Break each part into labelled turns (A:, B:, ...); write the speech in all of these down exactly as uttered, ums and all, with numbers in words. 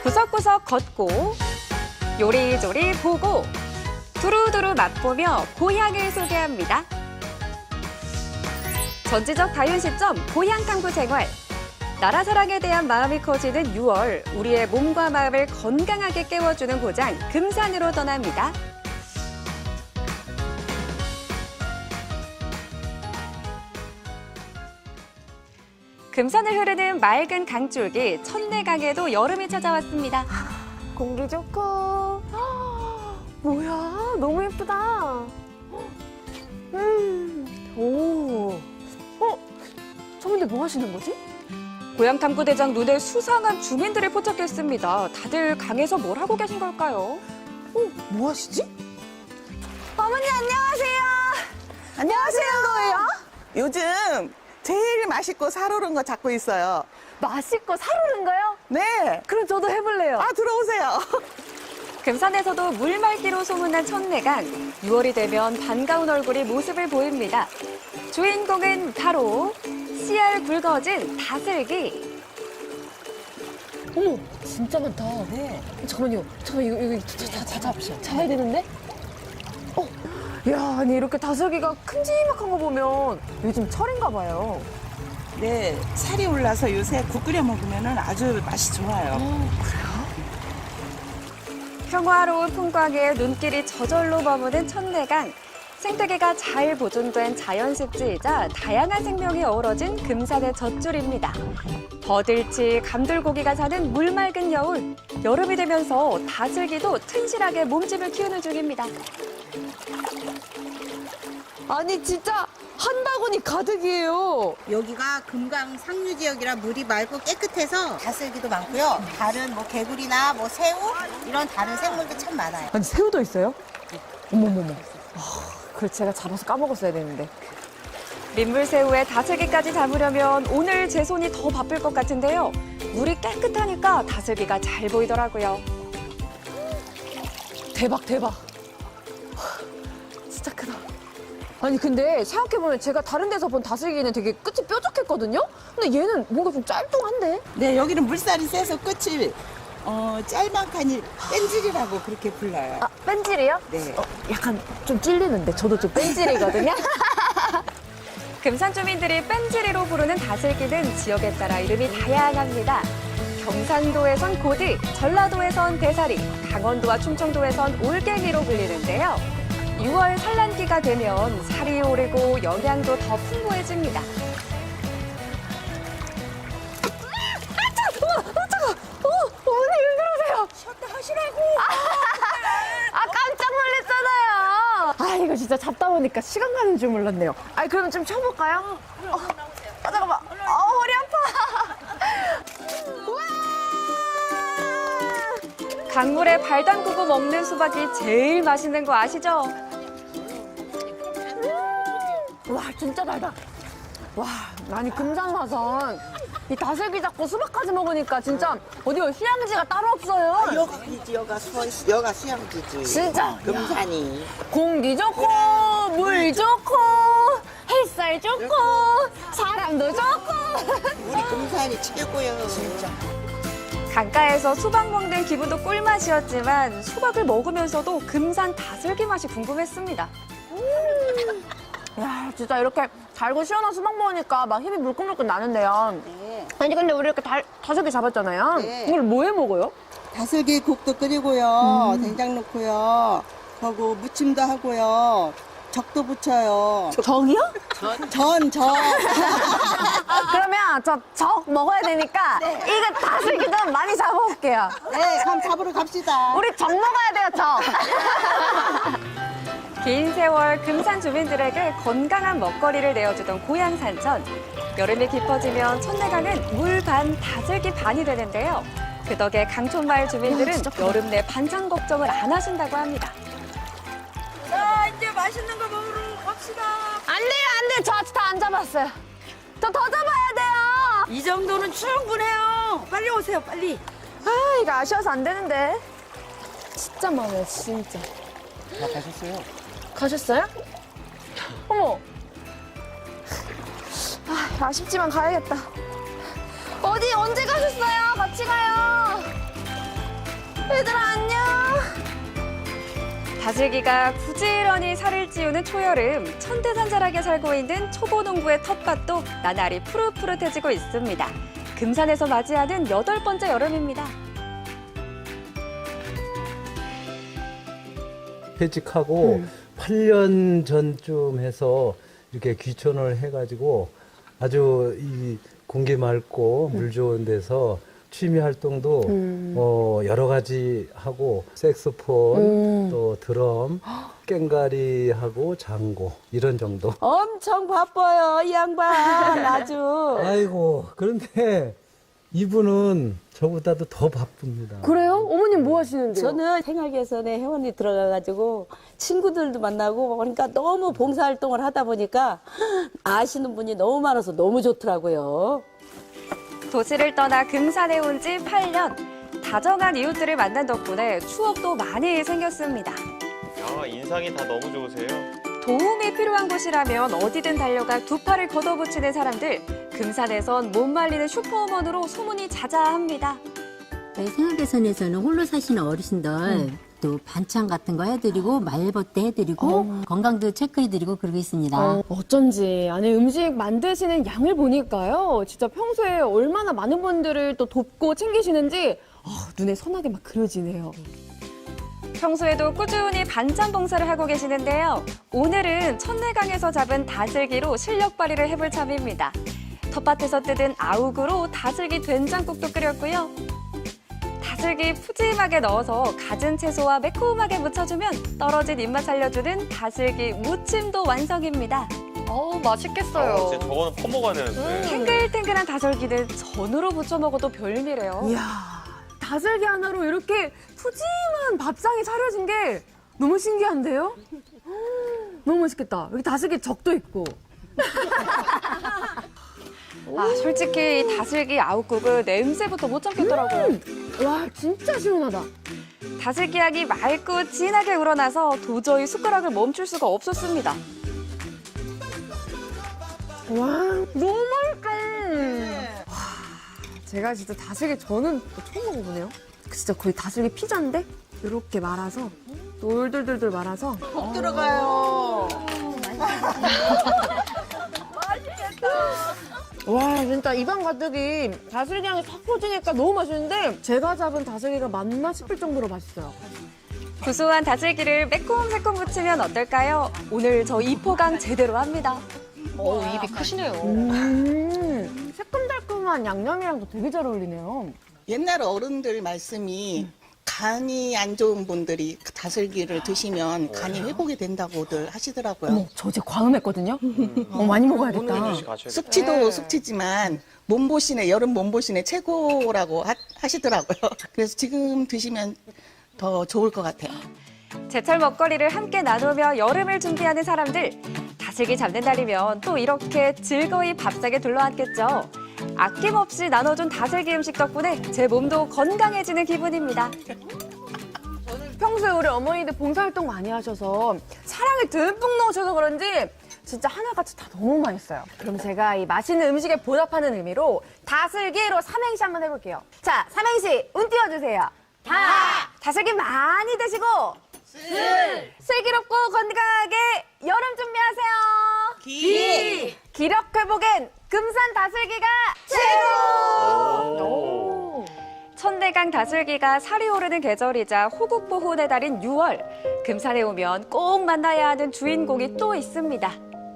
A: 구석구석 걷고 요리조리 보고 두루두루 맛보며 고향을 소개합니다. 전지적 다윤시점 고향 탐구 생활. 나라 사랑에 대한 마음이 커지는 유월, 우리의 몸과 마음을 건강하게 깨워주는 고장 금산으로 떠납니다. 금산을 흐르는 맑은 강줄기 천내강에도 여름이 찾아왔습니다.
B: 공기 좋고. 뭐야, 너무 예쁘다. 음, 오. 어? 저분들 뭐 하시는 거지?
A: 고향탐구대장 눈에 수상한 주민들을 포착했습니다. 다들 강에서 뭘 하고 계신 걸까요?
B: 어, 뭐 하시지? 어머니, 안녕하세요. 안녕하세요. 거예요?
C: 요즘 제일 맛있고 살오른 거 잡고 있어요.
B: 맛있고 살오른 거요?
C: 네.
B: 그럼 저도 해볼래요.
C: 아, 들어오세요.
A: 금산에서도 물맑기로 소문난 천내강. 유월이 되면 반가운 얼굴이 모습을 보입니다. 주인공은 바로 씨알 굵어진 다슬기.
B: 어머, 진짜 많다.
C: 네.
B: 잠깐만요. 잠깐 이거 이거 다, 다 잡으셔. 잡아야 되는데? 어, 야, 아니 이렇게 다슬기가 큼지막한 거 보면 요즘 철인가 봐요.
C: 네. 살이 올라서 요새 국 끓여 먹으면 아주 맛이 좋아요.
A: 평화로운 풍광에 눈길이 저절로 머무는 천내강. 생태계가 잘 보존된 자연습지이자 다양한 생명이 어우러진 금산의 젖줄입니다. 버들치, 감돌고기가 사는 물맑은 여울. 여름이 되면서 다슬기도 튼실하게 몸집을 키우는 중입니다.
B: 아니 진짜 한 바구니 가득이에요.
D: 여기가 금강 상류 지역이라 물이 맑고 깨끗해서 다슬기도 많고요. 다른 뭐 개구리나 뭐 새우 이런 다른 생물도 참 많아요.
B: 아니 새우도 있어요? 어머머머. 아, 그걸 제가 잡아서 까먹었어야 되는데.
A: 민물새우에 다슬기까지 담으려면 오늘 제 손이 더 바쁠 것 같은데요. 물이 깨끗하니까 다슬기가 잘 보이더라고요.
B: 대박 대박. 진짜 크다. 아니 근데 생각해보면 제가 다른 데서 본 다슬기는 되게 끝이 뾰족했거든요? 근데 얘는 뭔가 좀 짤뚱한데?
C: 네, 여기는 물살이 세서 끝이 어, 짤막하니 뺀질이라고 그렇게 불러요.
B: 아, 뺀질이요?
C: 네.
B: 어, 약간 좀 찔리는데 저도 좀 뺀질이거든요?
A: 금산 주민들이 뺀지리로 부르는 다슬기는 지역에 따라 이름이 다양합니다. 경상도에선 고디, 전라도에선 대사리, 강원도와 충청도에선 올갱이로 불리는데요. 유월 산란기가 되면 살이 오르고 영양도 더 풍부해집니다.
B: 어머니 왜 그러세요? 쉬었다 하시라고! 아, 깜짝 놀랐잖아요! 아, 이거 진짜 잡다 보니까 시간 가는 줄 몰랐네요. 아, 그러면 좀 쉬어볼까요? 어, 아, 잠깐만. 어, 허리 아파! 우와!
A: 강물에 발 담그고 먹는 수박이 제일 맛있는 거 아시죠?
B: 와, 진짜 달다. 와, 아니 금산 와선 이 다슬기 잡고 수박까지 먹으니까 진짜 어디 휴양지가 따로 없어요.
C: 여기지, 여가 수, 여가 수양지지.
B: 진짜
C: 금산이.
B: 공기 좋고 물 좋고 햇살 좋고 사람도 좋고.
C: 우리 금산이 최고요. 진짜.
A: 강가에서 수박 먹는 기분도 꿀맛이었지만 수박을 먹으면서도 금산 다슬기 맛이 궁금했습니다.
B: 야, 진짜 이렇게 달고 시원한 수박 먹으니까 막 힘이 물끈물끈 나는데요.
D: 네.
B: 아니 근데 우리 이렇게 달, 다슬기 잡았잖아요.
D: 네.
B: 이걸 뭐해 먹어요?
D: 다슬기 국도 끓이고요. 된장 넣고요. 하고 무침도 하고요. 적도 부쳐요.
B: 정이요?
D: 전, 전.
B: 그러면 저 적 먹어야 되니까 이거 다슬기 좀 많이 잡아올게요.
D: 네, 그럼 잡으러 갑시다.
B: 우리 적 먹어야 돼요, 적.
A: 긴 세월 금산 주민들에게 건강한 먹거리를 내어주던 고향 산천. 여름이 깊어지면 천내강은 물 반, 다슬기 반이 되는데요. 그 덕에 강촌마을 주민들은 여름 내 반찬 걱정을 안 하신다고 합니다.
B: 자, 이제 맛있는 거 먹으러 갑시다. 안 돼요, 안 돼요. 저 아직 다 안 잡았어요. 저 더 잡아야 돼요.
E: 이 정도는 충분해요. 빨리 오세요, 빨리.
B: 아, 이거 아쉬워서 안 되는데. 진짜 많아요, 진짜.
C: 다 가셨어요?
B: 가셨어요? 어머. 아, 아쉽지만 가야겠다. 어디, 언제 가셨어요? 같이 가요. 얘들아 안녕.
A: 다슬기가 부지런히 살을 찌우는 초여름, 천태산자락에 살고 있는 초보농부의 텃밭도 나날이 푸릇푸릇해지고 있습니다. 금산에서 맞이하는 여덟 번째 여름입니다.
F: 퇴직하고
B: 음.
F: 팔 년 전쯤 해서 이렇게 귀촌을 해가지고 아주 이 공기 맑고 물 좋은 데서 취미 활동도
B: 음.
F: 어, 여러 가지 하고 색소폰,
B: 음.
F: 또 드럼, 깽가리하고 장고 이런 정도.
C: 엄청 바빠요, 이 양반. 아주.
F: 아이고 그런데 이분은 저보다도 더 바쁩니다.
B: 그래요? 어머님 뭐 하시는데요?
G: 저는 생활개선에 회원이 들어가가지고 친구들도 만나고 그러니까 너무 봉사활동을 하다 보니까 아시는 분이 너무 많아서 너무 좋더라고요.
A: 도시를 떠나 금산에 온 지 팔 년. 다정한 이웃들을 만난 덕분에 추억도 많이 생겼습니다.
H: 아, 인상이 다 너무 좋으세요.
A: 도움이 필요한 곳이라면 어디든 달려가 두 팔을 걷어붙이는 사람들. 금산에선 못 말리는 슈퍼우먼으로 소문이 자자합니다.
I: 저희 생활개선에서는 홀로 사시는 어르신들 또 반찬 같은 거 해드리고 말벗대 해드리고 건강도 체크해드리고 그러고 있습니다.
B: 어, 어쩐지 안에 음식 만드시는 양을 보니까요. 진짜 평소에 얼마나 많은 분들을 또 돕고 챙기시는지 어, 눈에 선하게 막 그려지네요.
A: 평소에도 꾸준히 반찬 봉사를 하고 계시는데요. 오늘은 천내강에서 잡은 다슬기로 실력 발휘를 해볼 참입니다. 텃밭에서 뜯은 아욱으로 다슬기 된장국도 끓였고요. 다슬기 푸짐하게 넣어서 갖은 채소와 매콤하게 무쳐주면 떨어진 입맛 살려주는 다슬기 무침도 완성입니다.
B: 어우 맛있겠어요.
H: 어, 진짜 저거는 퍼먹어야 되는데.
A: 탱글탱글한 다슬기는 전으로 부쳐 먹어도 별미래요.
B: 이야, 다슬기 하나로 이렇게 푸짐한 밥상이 차려진 게 너무 신기한데요? 너무 맛있겠다. 여기 다슬기 적도 있고.
A: 아, 솔직히 이 다슬기 아욱국은 냄새부터 못 참겠더라고요.
B: 와, 진짜 시원하다.
A: 다슬기 향이 맑고 진하게 우러나서 도저히 숟가락을 멈출 수가 없었습니다.
B: 와, 너무 맛있다. 와, 제가 진짜 다슬기 저는 또 처음 먹어보네요. 진짜 거의 다슬기 피자인데 이렇게 말아서 돌돌돌돌 말아서
C: 꼭 들어가요.
B: 와, 진짜 입안 가득이 다슬기 향이 팍 퍼지니까 너무 맛있는데 제가 잡은 다슬기가 맞나 싶을 정도로 맛있어요.
A: 구수한 다슬기를 매콤새콤 무치면 어떨까요? 오늘 저 이포강 제대로 합니다.
B: 어우, 입이 크시네요. 음, 새콤달콤한 양념이랑도 되게 잘 어울리네요.
J: 옛날 어른들 말씀이 간이 안 좋은 분들이 다슬기를 드시면 간이 회복이 된다고들 하시더라고요.
B: 어머, 저 어제 과음했거든요? 어, 많이 먹어야겠다.
H: 가셔야 돼.
J: 숙취도
B: 네.
J: 숙취지만 몸보신에 여름 몸보신에 최고라고 하, 하시더라고요. 그래서 지금 드시면 더 좋을 것 같아요.
A: 제철 먹거리를 함께 나누며 여름을 준비하는 사람들. 다슬기 잡는 날이면 또 이렇게 즐거이 밥상에 둘러앉겠죠. 아낌없이 나눠준 다슬기 음식 덕분에 제 몸도 건강해지는 기분입니다.
B: 평소에 우리 어머니들 봉사활동 많이 하셔서 사랑을 듬뿍 넣으셔서 그런지 진짜 하나같이 다 너무 맛있어요. 그럼 제가 이 맛있는 음식에 보답하는 의미로 다슬기로 삼행시 한번 해볼게요. 자, 삼행시 운 띄워주세요. 다! 다슬기 많이 드시고 슬! 슬기롭고 건강하게 여름 준비하세요. 기! 기력 회복엔 금산 다슬기가 최고! 오.
A: 천내강 다슬기가 살이 오르는 계절이자 호국보훈의 달인 유월. 금산에 오면 꼭 만나야 하는 주인공이 또 있습니다.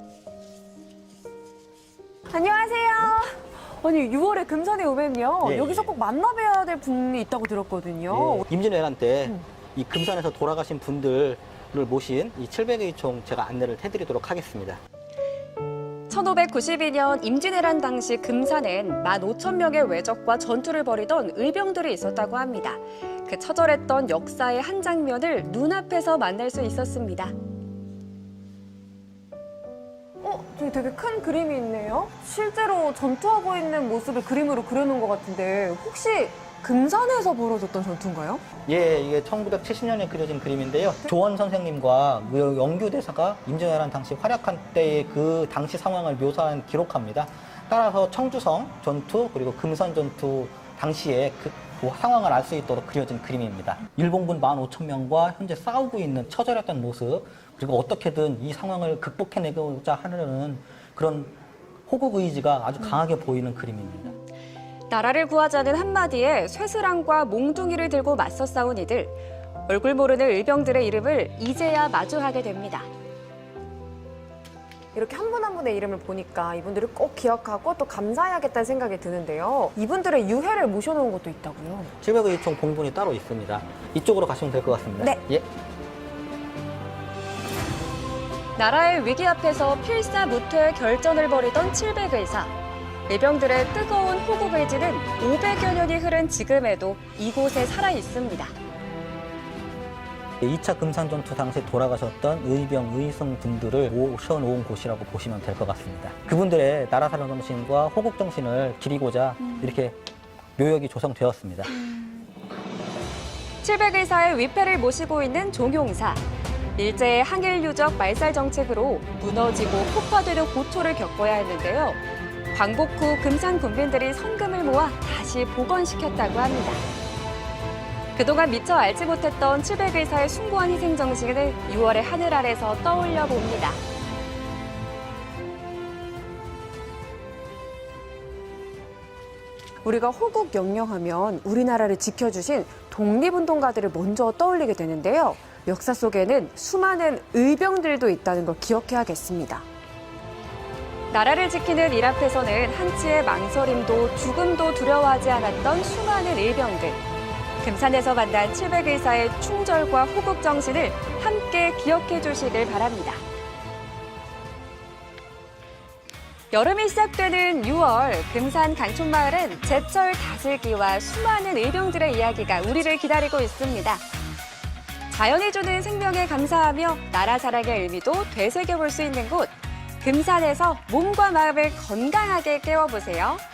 B: 안녕하세요. 아니 유월에 금산에 오면요
K: 예,
B: 여기서
K: 예.
B: 꼭 만나봐야 될 분이 있다고 들었거든요.
K: 예, 임진왜란 때 이 금산에서 돌아가신 분들을 모신 이 칠백의 총 제가 안내를 해드리도록 하겠습니다.
A: 천오백구십이 년 임진왜란 당시 금산엔 만 오천 명의 외적과 전투를 벌이던 의병들이 있었다고 합니다. 그 처절했던 역사의 한 장면을 눈앞에서 만날 수 있었습니다.
B: 어, 저기 되게 큰 그림이 있네요. 실제로 전투하고 있는 모습을 그림으로 그려놓은 것 같은데 혹시 금산에서 벌어졌던 전투인가요?
K: 예, 이게 천구백칠십 년에 그려진 그림인데요. 조원 선생님과 영규 대사가 임진왜란 당시 활약한 때의 그 당시 상황을 묘사한 기록합니다. 따라서 청주성 전투 그리고 금산 전투 당시에 그 그 상황을 알 수 있도록 그려진 그림입니다. 일본군 만 오천 명과 현재 싸우고 있는 처절했던 모습, 그리고 어떻게든 이 상황을 극복해내고자 하는 그런 호국 의지가 아주 강하게 보이는 그림입니다.
A: 나라를 구하자는 한마디에 쇠스랑과 몽둥이를 들고 맞서 싸운 이들. 얼굴 모르는 의병들의 이름을 이제야 마주하게 됩니다.
B: 이렇게 한 분 한 분의 이름을 보니까 이분들을 꼭 기억하고 또 감사해야겠다는 생각이 드는데요. 이분들의 유해를 모셔놓은 것도 있다고요.
K: 칠백의 총 봉분이 따로 있습니다. 이쪽으로 가시면 될 것 같습니다.
B: 네.
K: 예.
A: 나라의 위기 앞에서 필사무퇴의 결전을 벌이던 칠백 의사. 의병들의 뜨거운 호국 의지는 오백여 년이 흐른 지금에도 이곳에 살아 있습니다.
K: 이 차 금산전투 당시 돌아가셨던 의병, 의승 분들을 모셔놓은 곳이라고 보시면 될 것 같습니다. 그분들의 나라 사랑 정신과 호국 정신을 기리고자 이렇게 묘역이 조성되었습니다.
A: 칠백 의사의 위패를 모시고 있는 종용사. 일제의 항일 유적 말살 정책으로 무너지고 폭파되는 고초를 겪어야 했는데요. 광복 후 금산 군민들이 성금을 모아 다시 복원시켰다고 합니다. 그동안 미처 알지 못했던 칠백 의사의 숭고한 희생 정신을 유월의 하늘 아래서 떠올려 봅니다.
B: 우리가 호국 영령하면 우리나라를 지켜주신 독립운동가들을 먼저 떠올리게 되는데요. 역사 속에는 수많은 의병들도 있다는 걸 기억해야겠습니다.
A: 나라를 지키는 일 앞에서는 한치의 망설임도 죽음도 두려워하지 않았던 수많은 의병들. 금산에서 만난 칠백 의사의 충절과 호국 정신을 함께 기억해 주시길 바랍니다. 여름이 시작되는 유월, 금산 강촌마을은 제철 다슬기와 수많은 의병들의 이야기가 우리를 기다리고 있습니다. 자연이 주는 생명에 감사하며 나라 사랑의 의미도 되새겨볼 수 있는 곳, 금산에서 몸과 마음을 건강하게 깨워보세요.